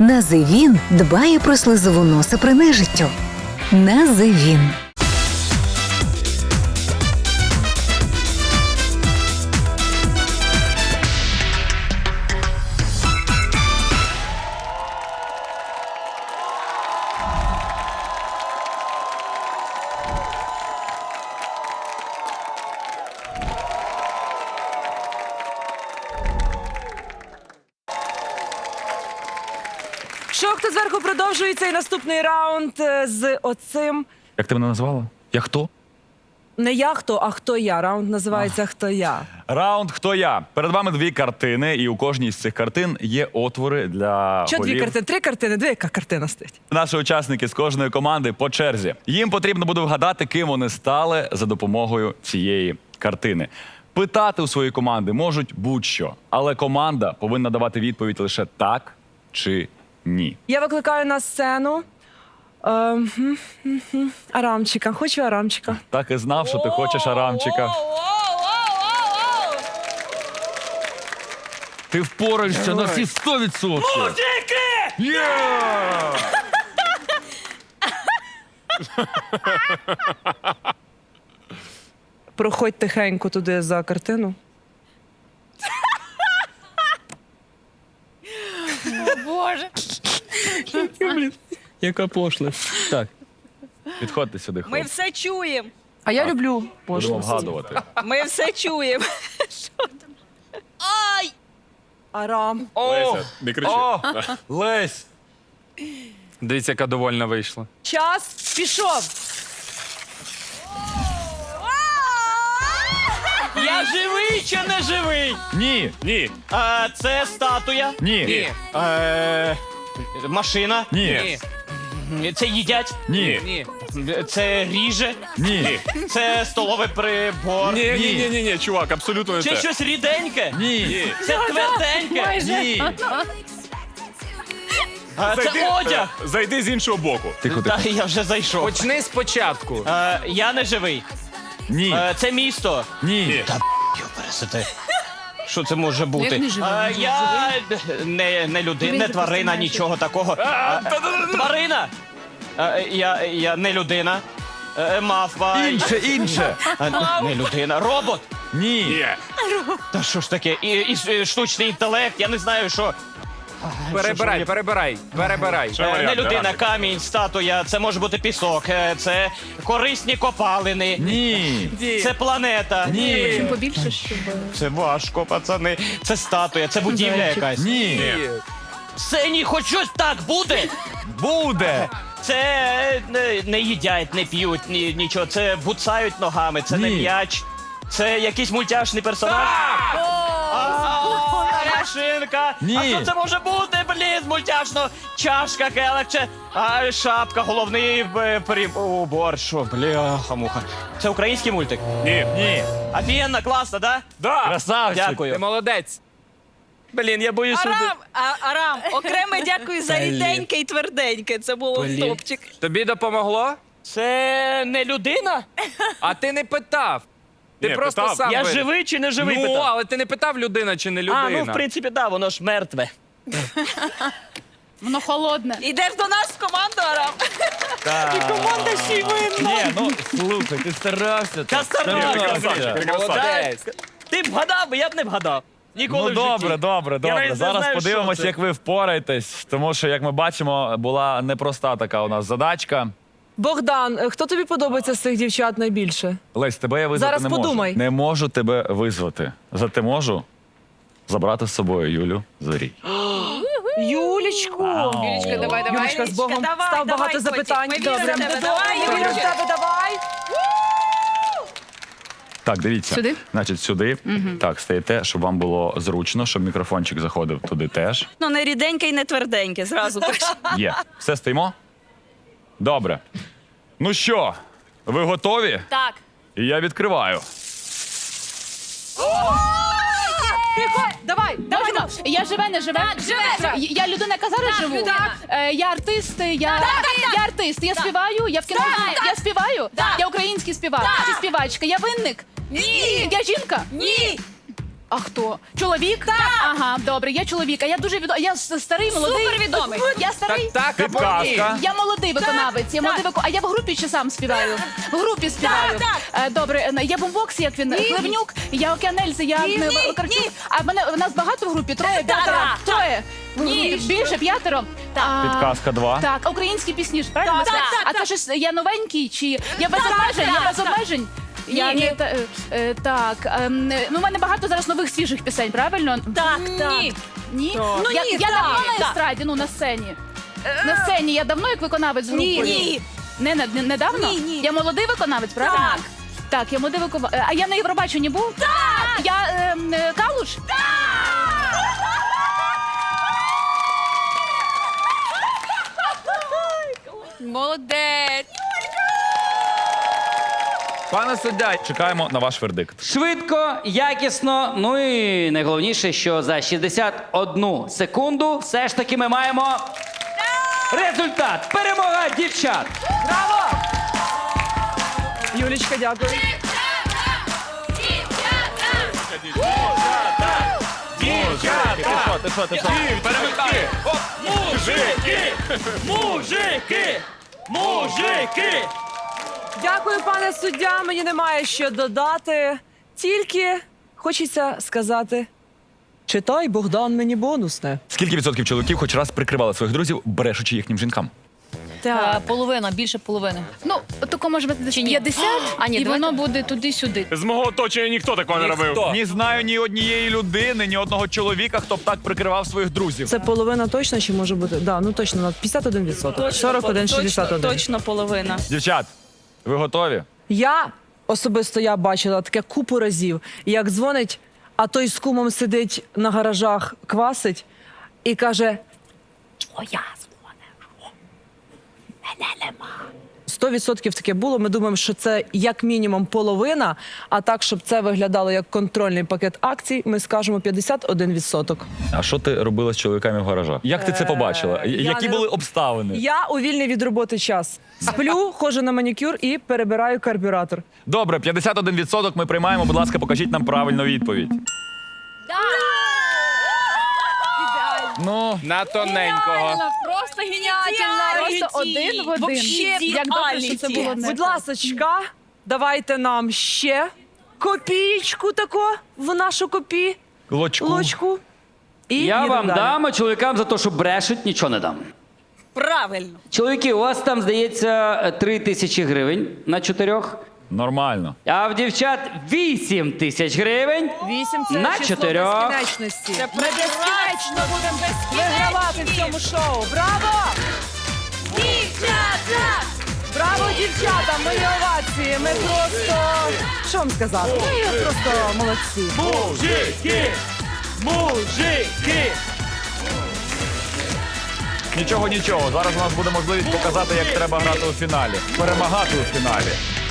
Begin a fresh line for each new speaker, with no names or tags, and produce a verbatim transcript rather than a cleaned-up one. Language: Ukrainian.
Називін дбає про слизову носа при нежиттю. Називін.
Шок тут зверху продовжується і наступний раунд е, з оцим.
Як ти мене назвала? Я хто?
Не я хто, а хто я. Раунд називається «Хто я».
Раунд «Хто я?». Перед вами дві картини, і у кожній з цих картин є отвори для
Що дві
голів.
картини? Три картини, дві яка картина стоїть.
Наші учасники з кожної команди по черзі. Їм потрібно буде вгадати, ким вони стали за допомогою цієї картини. Питати у своєї команди можуть будь-що, але команда повинна давати відповідь лише так чи ні.
Я викликаю на сцену е, м, м, м, Арамчика. Хочу Арамчика.
Так і знав, що ти хочеш Арамчика. Ти впораєшся на всі сто відсотків. Мужики! Є!
Проходь тихенько туди за картину.
Боже.
Яка пошлость. Так.
Підходьте сюди,
Ми
хлопці.
все чуємо.
А я люблю
Будемо
пошлості.
вгадувати.
Ми все чуємо. Що там? Ай!
Арам.
О! Не кричи. О! Лесь!
Дивіться, яка довольна вийшла.
Час пішов.
Я живий чи не живий?
Ні!
Ні. А, це статуя.
Ні!
Е, машина.
Ні!
Це їдять.
Ні!
Це ріже.
Ні!
Це столовий прибор.
Ні, ні, ні,
Ні, ні, чувак, абсолютно не
Це
те.
щось ріденьке.
Ні!
Це тверденьке.
Ні!
А, це одяг.
е, Зайди з іншого боку.
Тихо,
Та
тихо.
я вже зайшов.
Почни спочатку.
Е, я не живий.
Ні!
Е, це місто.
Ні!
Пересити. Що це може бути?
не живий?
Е, я не, не людина, не тварина, нічого такого. Е, Тварина. Е, Я, я не людина. Е, Мавпа.
Інше, інше!
Е, Не людина. Робот.
Ні!
Ні.
Та що ж таке? І, і, і штучний інтелект, я не знаю, що.
Перебирай, перебирай, перебирай.
Що
Е, Не
варіанти,
людина,
Рамчик?
камінь, статуя, це може бути пісок, е, це корисні копалини,
Ні!
це планета.
Ні!
Побільше, щоб...
Це важко, пацани. Це статуя, це будівля якась.
Ні!
Це ні, хоч щось так буде.
Буде!
Це не, не їдять, не п'ють, ні, нічого. Це буцають ногами, це не
Ні.
м'яч. Це якийсь мультяшний персонаж. А, Машинка.
Ні.
А що це може бути, блін, мультяшно? Чашка, келих, чи а, шапка, головний е, при... убор. Що, бляха-муха. Це український мультик?
Ні.
Ні!
Офігенно, класно, да?
Да.
Красавчик!
Ти
Дякую.
молодець. Блін, я боюсь, що ти...
Арам, а, Арам, окреме дякую за ріденьке і тверденьке. Це було
Блін.
топчик.
Тобі допомогло?
Це не людина?
А ти не питав. Ти
Ні,
просто
питав.
сам
Я
вирішив.
живий чи не живий?
Ну,
питав?
але ти не питав, людина чи не людина.
А, ну в принципі, да, воно ж мертве.
Воно холодне. Ідеш до нас в команду, Арам?
Так.
Команда ще й винна.
Ні, ну слухай, ти старався.
Та старався.
Старався.
Ти красавчик.
Молодець.
Ти б вгадав, бо я б не вгадав. Ніколи
Ну
в житті.
добре, добре,
Я
добре.
навіть не
Зараз
знаю,
подивимось,
що це.
як ви впораєтесь, тому що, як ми бачимо, була непроста така у нас задачка.
Богдан, е, хто тобі подобається з цих дівчат найбільше?
Лесь, тебе я визвати
Зараз
не
подумай.
можу. Не можу тебе визвати. Зате можу забрати з собою Юлю Зорій.
Юлічку!
Юлічка, давай, давай.
Юлічка, з Богом.
Давай,
Став
давай,
багато
котик,
запитань.
ми віримо
Добре.
в тебе.
Давай,
Давай,
Юля, в
Юлічка.
тебе давай.
Так, дивіться.
Сюди?
Значить, сюди. Так, стаєте, щоб вам було зручно, щоб мікрофончик заходив туди теж.
Ну, не ріденьке і не тверденьке, зразу кажу.
Є. Все, стоїмо? Добре. Ну що, ви готові?
Так.
І я відкриваю.
Давай, давай, давай.
Я живе, не живе.
живе.
Я людина, яка зараз живу.
так.
Е, Я артист, я, я артист. Я співаю, я в кіно.
Так.
Я співаю.
Так.
Я український співак.
Так.
Чи співачка. Я винник.
Ні.
Я жінка.
Ні.
А хто? Чоловік? Так. Ага, добре, я чоловік. А я дуже відомий. Я с- старий, молодий.
Супервідомий.
Я старий.
Так, так, або ні.
Підказка.
Я молодий виконавець. Я молодий вико... А я в групі чи сам співаю? В групі співаю.
Так,
Е, Добре, е, я бомбокс, як він Хлевнюк, я Океанельзи, я
Ні,
е,
ні,
Вакарчук.
ні.
А в мене в нас багато в групі? Троє,
Так,
п'ятеро?
так,
Троє.
Ні.
Більше, п'ятеро. А,
Підказка два.
Так, а українські пісні ж, правильно?
Так,
Це-
так,
А
так.
це щось, я новенький чи я без обмежень?
так,
Я без
так.
обмежень? Я
Ні.
не та- е, е, так. ем, е, Ну, у мене багато зараз нових свіжих пісень, правильно?
Так, так.
Ні. Ні?
Ну,
я,
ні,
я
так,
давно на
так.
естраді, ну на сцені. На сцені я давно як виконавець з
Ні,
групою?
ні.
Не, не, не, недавно?
Ні, ні.
Я молодий виконавець, правильно?
Так.
Так, я молодий виконавець. А я на Євробаченні був? Так! Я ем, е, Калуш?
Молодець.
Пане суддя, чекаємо на ваш вердикт.
Швидко, якісно, ну і найголовніше, що за шістдесят одну секунду все ж таки ми маємо результат. Перемога дівчат!
Браво! Юлічка, дякую.
Ти що, ти що, ти що?
Перемикай! Оп! Мужики! Мужики! Мужики!
Дякую, пане суддя. Мені немає що додати. Тільки хочеться сказати: читай, Богдан, мені бонусне.
Скільки відсотків чоловіків хоч раз прикривали своїх друзів, брешучи їхнім жінкам?
Так.
Половина, більше половини.
Ну, тако може бути десь
Чи ні?
п'ятдесят,
А, ні,
і
давайте.
воно буде туди-сюди.
З мого оточення ніхто такого не робив.
Ніхто.
Не знаю ні однієї людини, ні одного чоловіка, хто б так прикривав своїх друзів.
Це половина точно чи може бути? Да, ну точно, на п'ятдесят один відсоток. сорок один, шістдесят один.
Точно половина.
Дівчат, ви готові?
Я особисто я бачила таке купу разів, як дзвонить, а той з кумом сидить на гаражах, квасить і каже: твоя дзвонить. Мене нема. Сто відсотків таке було. Ми думаємо, що це як мінімум половина, а так, щоб це виглядало як контрольний пакет акцій, ми скажемо п'ятдесят один відсоток.
А що ти робила з чоловіками в гаражах? Як ти це побачила?
Е, я
Які
не
були
роб-
обставини?
Я у вільний від роботи час. Сплю, ходжу на манікюр і перебираю карбюратор.
Добре, п'ятдесят один відсоток ми приймаємо. Будь ласка, покажіть нам правильну відповідь. Ну,
На тоненького.
Просто геніально. Просто один в один.
Вообще
Як добре, що це було не
Будь ласочка, давайте нам ще копієчку тако в нашу копі,
лочку.
лочку. І
Я
їдемо
вам
далі.
дам, а чоловікам за те, що брешуть, нічого не дам.
Правильно.
Чоловіки, у вас там, здається, три тисячі гривень на чотирьох,
Нормально.
а в дівчат вісім тисяч гривень.
Вісім це
На
число
чотирьох.
безкінечності.
Це
Ми безкінечно будемо вигравати в цьому шоу. Браво!
Дівчата!
Браво, дівчата! Ми овації. Ми просто... Що вам сказати? Ми просто молодці.
Мужики! Мужики!
Нічого, нічого. Зараз у нас буде можливість показати, як треба грати у фіналі. Перемагати у фіналі.